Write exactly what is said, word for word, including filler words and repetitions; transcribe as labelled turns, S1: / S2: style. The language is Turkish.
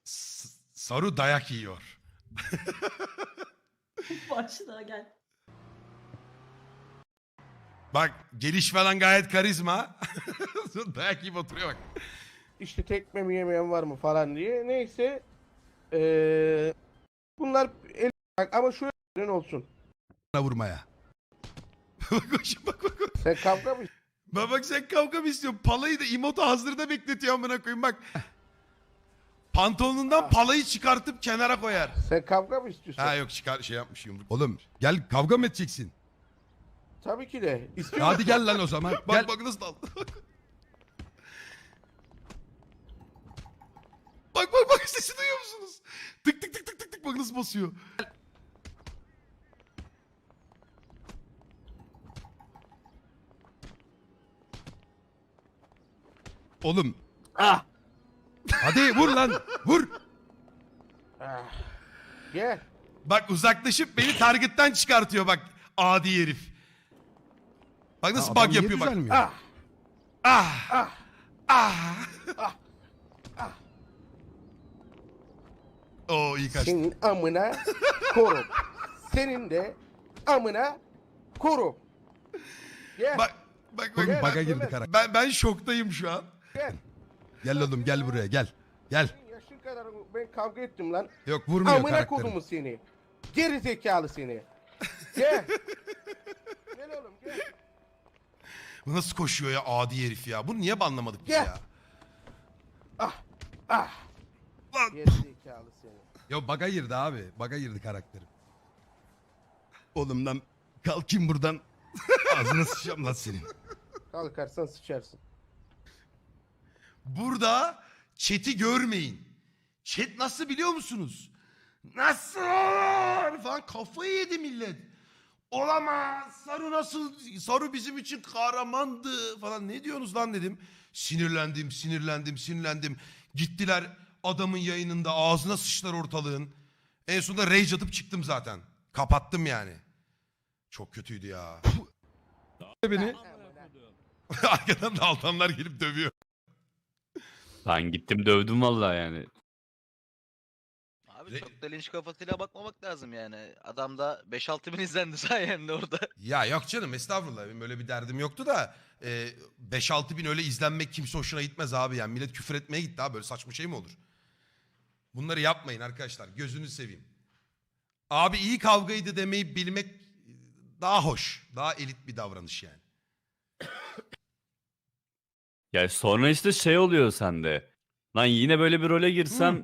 S1: S- Saru dayak yiyor.
S2: Başla gel.
S1: Bak geliş falan gayet karizma. Dayak yiyip oturuyor bak.
S3: İşte tekme mi yemeyen var mı falan diye. Neyse. Ee, bunlar el ama şöyle olsun.
S1: Vurmaya. bak bak bak bak. bak.
S3: Sen kavga mı
S1: Bak bak sen kavga mı istiyorsun? Palayı da imotu hazırda bekletiyor amına koyayım bak. Pantolonundan palayı çıkartıp kenara koyar.
S3: Sen kavga mı istiyorsun?
S1: Ha yok çıkar şey yapmış yumruk. Oğlum gel kavga mı edeceksin?
S3: Tabii ki de. İstiyorum.
S1: Hadi gel lan o zaman. Bak
S4: Gel.
S1: bak nasıl daldı. Bak bak bak sesi duyuyor musunuz? Tık tık tık tık tık tık bak nasıl basıyor. Oğlum.
S3: Ah!
S1: Hadi vur lan. Vur.
S3: Ah. Gel.
S1: Bak uzaklaşıp beni target'tan çıkartıyor bak. Adi herif. Bak nasıl
S4: adam
S1: bug
S4: niye
S1: yapıyor bak.
S4: düzelmiyor?
S3: Ah!
S1: Ah.
S3: Ah!
S1: Ah.
S3: Ah! Ah!
S1: Oo iyi kaçtı.
S3: Senin amına korum. Senin de amına korum. Gel.
S1: Bak bak bak.
S4: Oğlum baga
S3: Gel,
S4: girdi
S3: gel.
S4: karakter.
S1: Ben ben şoktayım şu an.
S3: Gel.
S1: Gel oğlum gel buraya gel. Gel.
S3: Senin yaşın kadar ben kavga ettim lan.
S1: Yok vurmuyor
S3: Amına
S1: karakterim.
S3: kodumu seni. Geri zekalı seni. Gel. Gel oğlum gel.
S1: Bu nasıl koşuyor ya adi herif ya. Bunu niye banlamadık biz
S3: Gel.
S1: ya?
S3: Ah. Ah.
S1: Lan.
S3: Geri zekalı seni.
S1: Ya baga girdi abi. Baga girdi karakterim. Oğlum lan kalkayım buradan. Ağzına sıçacağım lan senin.
S3: Kalkarsan sıçarsın.
S1: Burada chat'i görmeyin. Chat nasıl biliyor musunuz? Nasıl olur? Falan kafayı yedi millet. Olamaz. Saru nasıl? Saru bizim için kahramandı falan. Ne diyorsunuz lan dedim. Sinirlendim, sinirlendim, sinirlendim. Gittiler adamın yayınında ağzına sıçtılar ortalığın. En sonunda rage atıp çıktım zaten. Kapattım yani. Çok kötüydü ya.
S4: Beni.
S1: Arkadan da altanlar gelip dövüyor.
S5: Ben gittim dövdüm vallahi yani.
S6: Abi
S1: Re-
S6: çok da linç kafasıyla bakmamak lazım yani. Adamda beş altı bin izlendi sayende orada.
S1: Ya yok canım estağfurullah benim öyle bir derdim yoktu da e, beş altı bin öyle izlenmek kimse hoşuna gitmez abi yani millet küfür etmeye gitti abi böyle saçma şey mi olur? Bunları yapmayın arkadaşlar gözünü seveyim. Abi iyi kavgaydı demeyi bilmek daha hoş daha elit bir davranış yani.
S5: Ya sonra işte şey oluyor sende. Lan yine böyle bir role girsem